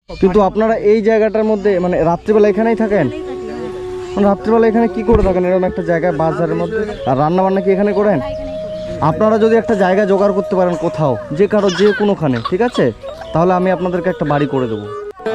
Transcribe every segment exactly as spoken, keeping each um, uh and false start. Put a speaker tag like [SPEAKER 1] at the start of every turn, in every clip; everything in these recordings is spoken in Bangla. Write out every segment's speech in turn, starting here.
[SPEAKER 1] কিন্তু আপনারা এই জায়গাটার মধ্যে মানে রাত্রিবেলা এখানেই থাকেন? মানে রাত্রিবেলা এখানে কি করে থাকেন এরকম একটা জায়গায় বাজারের মধ্যে? আর রান্না বান্না কি এখানে করেন? আপনারা যদি একটা জায়গা জোগাড় করতে পারেন কোথাও, যে কারো যে কোনোখানে, ঠিক আছে, তাহলে আমি আপনাদেরকে একটা বাড়ি করে দেবো।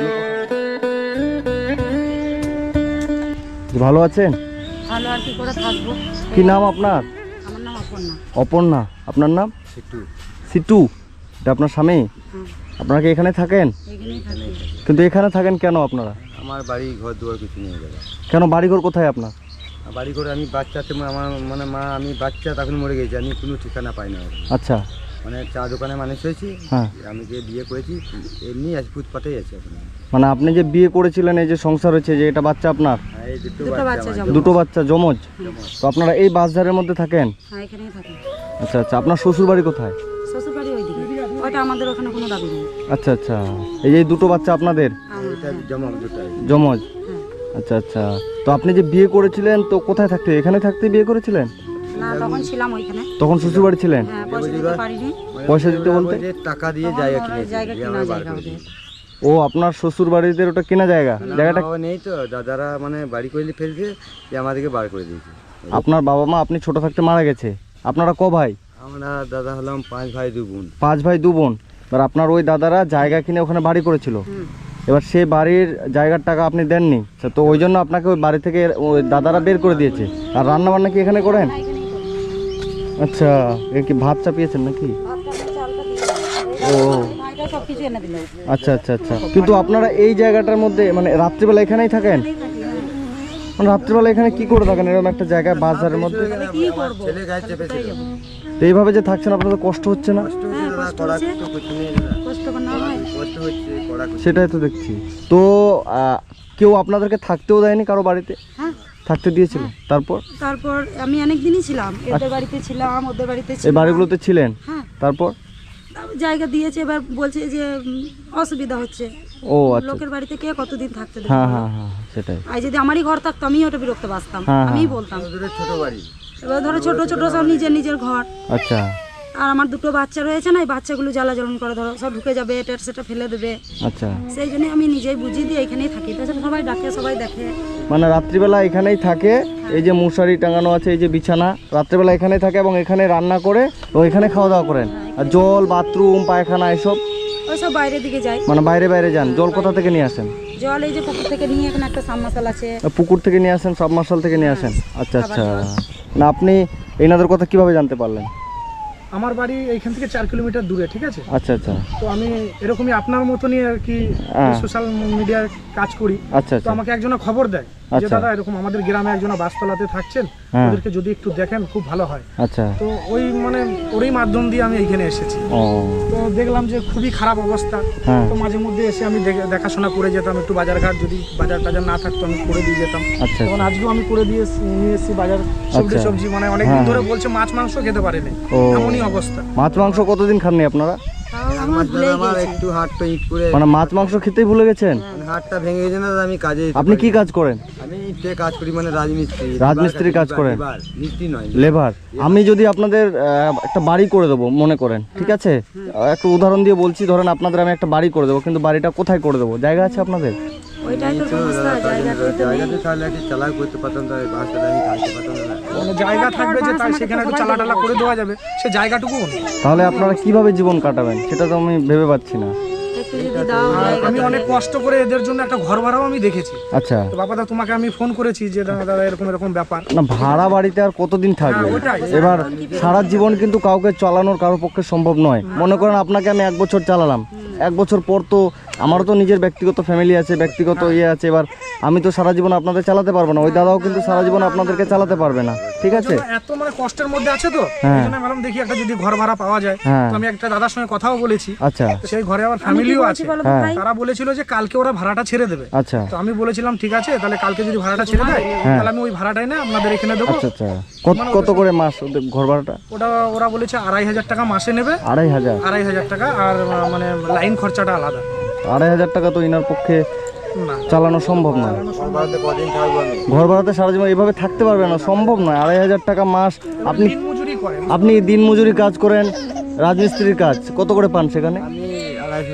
[SPEAKER 1] ভালো আছেন?
[SPEAKER 2] ভালো আর কি করে থাকবো।
[SPEAKER 1] কি নাম আপনার?
[SPEAKER 2] আমার নাম অপর্ণা।
[SPEAKER 1] অপর্ণা। আপনার নাম?
[SPEAKER 3] সিটু।
[SPEAKER 1] সিটু। এটা আপনার স্বামী? আপনারা কি এখানে থাকেন?
[SPEAKER 2] এখানেই থাকি।
[SPEAKER 1] কিন্তু এখানে থাকেন কেন আপনারা?
[SPEAKER 3] আমার বাড়ি ঘর দুয়ার কিছু নিয়ে যাবে।
[SPEAKER 1] কেন বাড়িঘর কোথায় আপনার?
[SPEAKER 3] বাড়ি করে আমি বাচ্চাতে আমার মানে মা আমি বাচ্চা তখন মরে গেছি, আমি কোনো ঠিকানা পাই না।
[SPEAKER 1] আচ্ছা,
[SPEAKER 3] মানে চা দোকানে মানুষ হয়েছি।
[SPEAKER 1] হ্যাঁ।
[SPEAKER 3] আমি যে বিয়ে করেছি এমনি আজ ফুটপাতেই আছে এখন।
[SPEAKER 1] মানে আপনি যে বিয়ে করেছিলেন, এই যে সংসার হয়েছে, যে এটা বাচ্চা আপনার?
[SPEAKER 3] হ্যাঁ, এই দুটো
[SPEAKER 2] দুটো বাচ্চা
[SPEAKER 3] বাচ্চা।
[SPEAKER 2] জমজ।
[SPEAKER 1] দুটো বাচ্চা জমজ। তো আপনারা এই বাসধারের মধ্যে থাকেন?
[SPEAKER 2] হ্যাঁ, এখানেই থাকি।
[SPEAKER 1] আচ্ছা আচ্ছা। আপনার শ্বশুর বাড়ি কোথায়?
[SPEAKER 2] শ্বশুর বাড়ি ওইদিকে। ওইটা আমাদের ওখানে কোনো দাবি নেই।
[SPEAKER 1] আচ্ছা আচ্ছা। এই যে দুটো বাচ্চা আপনাদের
[SPEAKER 3] এটা জমা দুটাই
[SPEAKER 1] জমজ?
[SPEAKER 2] হ্যাঁ।
[SPEAKER 1] আচ্ছা আচ্ছা। তো আপনি যে বিয়ে করেছিলেন তো কোথায় থাকতে? এখানে থাকতে বিয়ে করেছিলেন?
[SPEAKER 2] না, তখন ছিলাম ওইখানে।
[SPEAKER 1] তখন শ্বশুর বাড়ি ছিলেন?
[SPEAKER 2] হ্যাঁ, পয়সা দিতে পারিনি।
[SPEAKER 1] পয়সা দিতে বলতে?
[SPEAKER 3] যে টাকা দিয়ে
[SPEAKER 2] তখন
[SPEAKER 3] জায়গা
[SPEAKER 2] ওরা
[SPEAKER 3] কিনেছি,
[SPEAKER 2] জায়গা
[SPEAKER 3] দিয়ে
[SPEAKER 2] কিনা
[SPEAKER 3] আমার বার
[SPEAKER 2] জায়গা
[SPEAKER 3] করে
[SPEAKER 2] ওদের।
[SPEAKER 3] দিয়েছি।
[SPEAKER 1] ও, আপনার শ্বশুর বাড়িতে ওটা কেনা জায়গা? জায়গাটা
[SPEAKER 3] বাবা নেই তো, দাদারা মানে বাড়ি করে ফেলছে, যে আমাদেরকে বার করে দিয়েছে।
[SPEAKER 1] আপনার বাবা মা আপনি ছোট থাকতে মারা গেছে। আপনারা ক ভাই?
[SPEAKER 3] আমরা দাদা হলাম পাঁচ ভাই দু বোন।
[SPEAKER 1] পাঁচ ভাই দু বোন। এবার আপনার ওই দাদারা জায়গা কিনে ওখানে বাড়ি করেছিল।
[SPEAKER 2] হুম।
[SPEAKER 1] এবার সেই বাড়ির জায়গার টাকা আপনি দেননি, তো ওই জন্য আপনাকে ওই বাড়ি থেকে ওই দাদারা বের করে দিয়েছে। আর রান্না বান্না কি এখানে করেন?
[SPEAKER 2] হ্যাঁ, এখানেই করি।
[SPEAKER 1] আচ্ছা, এ কি ভাত চাপিয়েছেন নাকি?
[SPEAKER 2] ভাতটা চালটা দিয়ে
[SPEAKER 1] ও
[SPEAKER 2] ভাইটা সব কিছু এনে দিল।
[SPEAKER 1] আচ্ছা আচ্ছা আচ্ছা। কিন্তু আপনারা এই জায়গাটার মধ্যে মানে রাত্রিবেলা এখানেই থাকেন?
[SPEAKER 2] এখানেই থাকি, হ্যাঁ।
[SPEAKER 1] মানে রাত্রিবেলা এখানে কি করে থাকেন এরকম একটা জায়গায় বাজারের মধ্যে?
[SPEAKER 2] তাহলে কি করবো?
[SPEAKER 3] ছেলে গায়ে চেপেছিল।
[SPEAKER 1] তো এইভাবে যে থাকছেন আপনাদের কষ্ট হচ্ছে না?
[SPEAKER 3] কষ্ট হচ্ছে
[SPEAKER 2] হ্যাঁ,
[SPEAKER 3] দাদা,
[SPEAKER 2] কষ্ট
[SPEAKER 3] কড়া
[SPEAKER 2] হচ্ছে।
[SPEAKER 3] তো কিছু নেই দাদা।
[SPEAKER 2] কষ্ট করে না হয়।
[SPEAKER 3] কষ্ট হচ্ছে, কড়া কিছু।
[SPEAKER 1] সেটাই তো দেখছি। তো আহ, কেউ আপনাদেরকে থাকতেও দেয়নি কারো বাড়িতে?
[SPEAKER 2] হ্যাঁ।
[SPEAKER 1] থাকতে দিয়েছিল? তারপর
[SPEAKER 2] তারপর আমি অনেক দিনই ছিলাম, এদের বাড়িতে ছিলাম, ওদের বাড়িতে
[SPEAKER 1] এই
[SPEAKER 2] ছিলাম।
[SPEAKER 1] বাড়িগুলোতে ছিলেন?
[SPEAKER 2] হ্যাঁ।
[SPEAKER 1] তারপর?
[SPEAKER 2] তারপর জায়গা দিয়েছে, এবার বলছে যে উম, অসুবিধা হচ্ছে।
[SPEAKER 1] ও আচ্ছা।
[SPEAKER 2] লোকের বাড়িতে কে কতদিন থাকতে দেবে?
[SPEAKER 1] হ্যাঁ হ্যাঁ হ্যাঁ, সেটাই।
[SPEAKER 2] আর যদি আমারই ঘর থাকতো আমি ওটা বিরক্ত বাসতাম,
[SPEAKER 1] হ্যাঁ,
[SPEAKER 2] আমিই
[SPEAKER 1] হ্যাঁ।
[SPEAKER 2] বলতাম।
[SPEAKER 3] ওদের ছোট বাড়ি।
[SPEAKER 2] এবার ধরো ছোট ছোট সব নিজের নিজের ঘর,
[SPEAKER 1] আচ্ছা
[SPEAKER 2] আর আমার দুটো বাচ্চা রয়েছে না, এই বাচ্চাগুলো জ্বালা জ্বলন করে, ধরো সব ঢুকে যাবে, এটা সেটা ফেলে দেবে।
[SPEAKER 1] আচ্ছা।
[SPEAKER 2] সেই জন্য আমি নিজেই বুঝিয়ে দিয়ে এখানেই থাকি। তাছাড়া সবাই ডাকে, সবাই দেখে।
[SPEAKER 1] মানে রাত্রিবেলা এখানেই থাকে, এই যে মশারি টাঙানো আছে, এই যে বিছানা, রাত্রিবেলা এখানেই থাকে এবং এখানে রান্না করে ও এখানে খাওয়া দাওয়া করেন। আর জল, বাথরুম, পায়খানা এসব
[SPEAKER 2] ওই সব বাইরের দিকে যাই।
[SPEAKER 1] মানে বাইরে বাইরে যান? জল কোথা থেকে নিয়ে আসেন?
[SPEAKER 2] জল এই যে পুকুর থেকে নিয়ে, এখানে একটা সাবমার্শাল আছে।
[SPEAKER 1] পুকুর থেকে নিয়ে আসেন, সাবমার্শাল থেকে নিয়ে আসেন? আচ্ছা আচ্ছা। না আপনি এনাদের কথা কিভাবে জানতে পারলেন?
[SPEAKER 4] আমার বাড়ি এইখান থেকে চার কিলোমিটার দূরে, ঠিক আছে?
[SPEAKER 1] আচ্ছা আচ্ছা
[SPEAKER 4] তো আমি এরকমই আপনার মতনই আর কি
[SPEAKER 1] হ্যাঁ।
[SPEAKER 4] সোশ্যাল মিডিয়ার কাজ করি।
[SPEAKER 1] আচ্ছা
[SPEAKER 4] তো
[SPEAKER 1] আচ্ছা
[SPEAKER 4] আমাকে একজনা খবর দেয় যে
[SPEAKER 1] আচ্ছা।
[SPEAKER 4] দাদা এরকম আমাদের গ্রামে একজনা বাসতলাতে থাকছেন,
[SPEAKER 1] হ্যাঁ।
[SPEAKER 4] ওদেরকে যদি একটু দেখেন খুব ভালো হয়।
[SPEAKER 1] আচ্ছা।
[SPEAKER 4] তো ওই মানে ওরই মাধ্যম দিয়ে আমি এইখানে এসেছি।
[SPEAKER 1] ও
[SPEAKER 4] তো দেখলাম যে খুবই খারাপ অবস্থা।
[SPEAKER 1] হ্যাঁ।
[SPEAKER 4] তো মাঝে মধ্যে এসে আমি দেখে- দেখাশোনা করে যেতাম, একটু বাজার ঘাট যদি বাজার টাজার না থাকতো আমি করে দিয়ে যেতাম।
[SPEAKER 1] আচ্ছা
[SPEAKER 4] তখন আজকেও আমি করে দিয়ে এসে- নিয়ে এসেছি বাজার সবজি
[SPEAKER 1] আচ্ছা।
[SPEAKER 4] সবজি মানে অনেকদিন
[SPEAKER 1] হ্যাঁ।
[SPEAKER 4] ধরে বলছে মাছ মাংস খেতে পারেনি,
[SPEAKER 1] ও।
[SPEAKER 4] এমনই অবস্থা।
[SPEAKER 1] মাছ মাংস কতদিন খাননি আপনারা?
[SPEAKER 2] তাও
[SPEAKER 3] এক
[SPEAKER 2] আমার
[SPEAKER 3] মাস
[SPEAKER 2] ভুলে
[SPEAKER 3] দাদা আমার
[SPEAKER 2] গেছি।
[SPEAKER 3] একটু হাতটা ইট করে
[SPEAKER 1] মানে মাছ মাংস খেতেই ভুলে গেছেন?
[SPEAKER 3] মানে হাতটা ভেঙে গেছে না দাদা, আমি কাজে যেতে
[SPEAKER 1] আপনি
[SPEAKER 3] পারি
[SPEAKER 1] কি
[SPEAKER 3] না।
[SPEAKER 1] কাজ করেন?
[SPEAKER 3] আমি ইটে কাজ করি, মানে রাজমিস্ত্রি।
[SPEAKER 1] রাজমিস্ত্রি কাজ
[SPEAKER 3] লিভার,
[SPEAKER 1] করেন?
[SPEAKER 3] লিভার, মিস্ত্রি নয়।
[SPEAKER 1] লেবার। আমি যদি আপনাদের আহ, একটা বাড়ি করে দেবো মনে করেন, ঠিক আছে, একটা উদাহরণ দিয়ে বলছি, ধরেন আপনাদের আমি একটা বাড়ি করে দেবো, কিন্তু বাড়িটা কোথায় করে দেবো? জায়গা আছে আপনাদের?
[SPEAKER 2] ওইটাই তো
[SPEAKER 3] এই তো
[SPEAKER 2] সমস্যা,
[SPEAKER 3] দাদা,
[SPEAKER 2] জায়গা তো নেই।
[SPEAKER 3] জায়গাতে তাহলে একটু চালাক করতে পারতাম, তাই বাসটা আমি কাটতে পারতাম না।
[SPEAKER 4] মানে জায়গা থাকবে যে তাই সেখানে একটু চালা টালা করে দেওয়া যাবে, সে জায়গাটুকু নেই।
[SPEAKER 1] তাহলে আপনারা কিভাবে জীবন কাটাবেন সেটা তো আমি ভেবে পাচ্ছি না।
[SPEAKER 2] একটু যদি দাও
[SPEAKER 4] আর
[SPEAKER 2] জায়গা।
[SPEAKER 4] আমি অনেক কষ্ট করে এদের জন্য একটা ঘর ভাড়াও আমি দেখেছি।
[SPEAKER 1] আচ্ছা।
[SPEAKER 4] তো বাবাদা তোমাকে আমি ফোন করেছি যে দাদা দাদা এরকম এরকম ব্যাপার।
[SPEAKER 1] না ভাড়া বাড়িতে আর কতদিন থাকবে?
[SPEAKER 4] হ্যাঁ, ওটাই।
[SPEAKER 1] এবার সারা জীবন কিন্তু কাউকে চালানোর কারোর পক্ষে সম্ভব নয়। মনে করেন আপনাকে আমি এক বছর চালালাম, এক বছর পর তো আমারও তো নিজের ব্যক্তিগত ফ্যামিলি আছে, ব্যক্তিগত ইয়ে আছে। এবার আমি তো সারা জীবন আপনাদের চালাতে পারবো না, ওই দাদাও কিন্তু সারা জীবন আপনাদেরকে চালাতে পারবে না, ঠিক আছে?
[SPEAKER 4] এত মানে কষ্টের মধ্যে আছে তো,
[SPEAKER 1] হ্যাঁ।
[SPEAKER 4] এই জন্য ভাবলাম দেখি একটা যদি ঘর ভাড়া পাওয়া যায়।
[SPEAKER 1] হ্যাঁ।
[SPEAKER 4] তো আমি একটা দাদার সঙ্গে কথাও বলেছি,
[SPEAKER 1] আচ্ছা
[SPEAKER 4] তো সেই ঘরে আমার ফ্যামিলিও আছে।
[SPEAKER 2] বলো তো
[SPEAKER 1] হ্যাঁ।
[SPEAKER 2] ভাই?
[SPEAKER 4] তারা বলেছিল যে কালকে ওরা ভাড়াটা ছেড়ে দেবে।
[SPEAKER 1] আচ্ছা
[SPEAKER 4] তো আমি বলেছিলাম ঠিক আছে, তাহলে কালকে যদি ভাড়াটা ছেড়ে দেয়
[SPEAKER 1] হ্যাঁ।
[SPEAKER 4] তাহলে আমি ওই ভাড়াটাই না আপনাদের এখানে দেবো।
[SPEAKER 1] আচ্ছা আচ্ছা। কত কত করে মাস ওদের ঘর ভাড়াটা?
[SPEAKER 4] ওটা ওরা বলেছে আড়াই হাজার টাকা মাসে নেবে।
[SPEAKER 1] আড়াই হাজার?
[SPEAKER 4] আড়াই হাজার টাকা আর আহ, মানে লাইন খরচাটা আলাদা।
[SPEAKER 1] আড়াই হাজার টাকা তো ইনার পক্ষে
[SPEAKER 4] না
[SPEAKER 1] চালানো সম্ভব নয়।
[SPEAKER 3] বাড়িতে কদিন থাকবো আমি?
[SPEAKER 1] ঘর ভাড়াতে সারা জীবন এভাবে থাকতে পারবে না, সম্ভব নয়। আড়াই হাজার টাকা মাস। আপনি
[SPEAKER 4] দিন মজুরি করেন।
[SPEAKER 1] আপনি দিন মজুরি কাজ করেন, রাজমিস্ত্রির কাজ কত করে পান সেখানে?
[SPEAKER 3] আমি আড়াইশো টাকা পাই।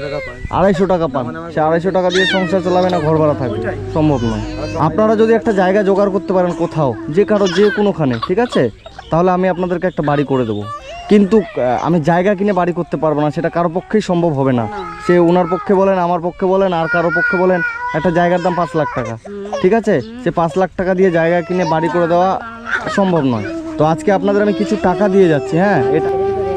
[SPEAKER 1] আড়াইশো টাকা পান, সে আড়াইশো টাকা দিয়ে সংসার চালাবে না ঘর ভাড়া থাকবে, সম্ভব নয়। আপনারা যদি একটা জায়গা জোগাড় করতে পারেন কোথাও, যে কারো যে কোনোখানে, ঠিক আছে, তাহলে আমি আপনাদেরকে একটা বাড়ি করে দেবো। কিন্তু আহ, আমি জায়গা কিনে বাড়ি করতে পারবো না, সেটা কারো পক্ষেই সম্ভব হবে না। সে ওনার পক্ষে বলেন, আমার পক্ষে বলেন, আর কারো পক্ষে বলেন, একটা জায়গার দাম পাঁচ লাখ টাকা, ঠিক আছে, সে পাঁচ লাখ টাকা দিয়ে জায়গা কিনে বাড়ি করে দেওয়া সম্ভব নয়। তো আজকে আপনাদের আমি কিছু টাকা দিয়ে যাচ্ছি। হ্যাঁ, এটা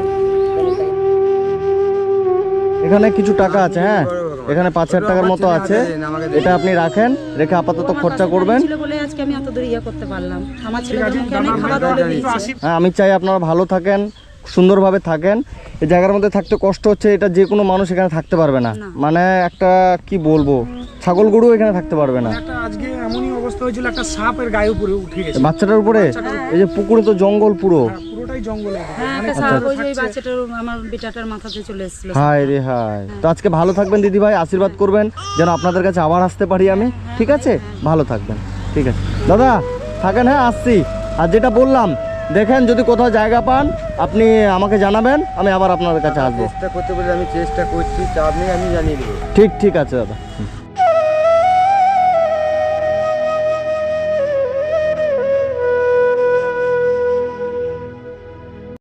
[SPEAKER 1] এখানে কিছু টাকা আছে, হ্যাঁ এখানে পাঁচ হাজার টাকার মতো আছে, এটা আপনি রাখেন, রেখে আপাতত খরচা করবেন।
[SPEAKER 2] ছিল বলে আজকে আমি এত দূর ইয়ে করতে পারলাম। আমার ছেলেদের মুখে অনেক খাবার তুলে দিয়েছি।
[SPEAKER 1] হ্যাঁ, আমি চাই আপনারা ভালো থাকেন, সুন্দরভাবে থাকেন। এই জায়গার মধ্যে থাকতে কষ্ট হচ্ছে, এটা যে কোনো মানুষ এখানে থাকতে পারবে না। মানে একটা কি বলবো, ছাগল গরু এখানে থাকতে পারবে না।
[SPEAKER 4] একটা আজকে এমনই অবস্থা হয়েছিল, একটা সাপের গায়ে উপরে উঠে গেছে,
[SPEAKER 1] বাচ্চাটার উপরে, এই যে পুকুরে তো জঙ্গল পুরো,
[SPEAKER 4] পুরোটাই জঙ্গলে।
[SPEAKER 2] হ্যাঁ, একটা সাপ ওই যে ওই বাচ্চাটার আমার বেটাটার মাথাতে চলে এসেছিল।
[SPEAKER 1] হায় রে হায়। তো আজকে ভালো থাকবেন দিদি ভাই, আশীর্বাদ করবেন যেন আপনাদের কাছে আবার আসতে পারি আমি, ঠিক আছে, ভালো থাকবেন, ঠিক আছে দাদা, থাকেন, হ্যাঁ আসছি। আর যেটা বললাম, দেখেন যদি কোথাও জায়গা পান আপনি আমাকে জানাবেন, আমি আবার আপনাদের কাছে আসবো।
[SPEAKER 3] চেষ্টা করতে বলে আমি চেষ্টা করছি, চাপ নেই, আমি জানিয়ে দেবো।
[SPEAKER 1] ঠিক ঠিক আছে দাদা। হুম।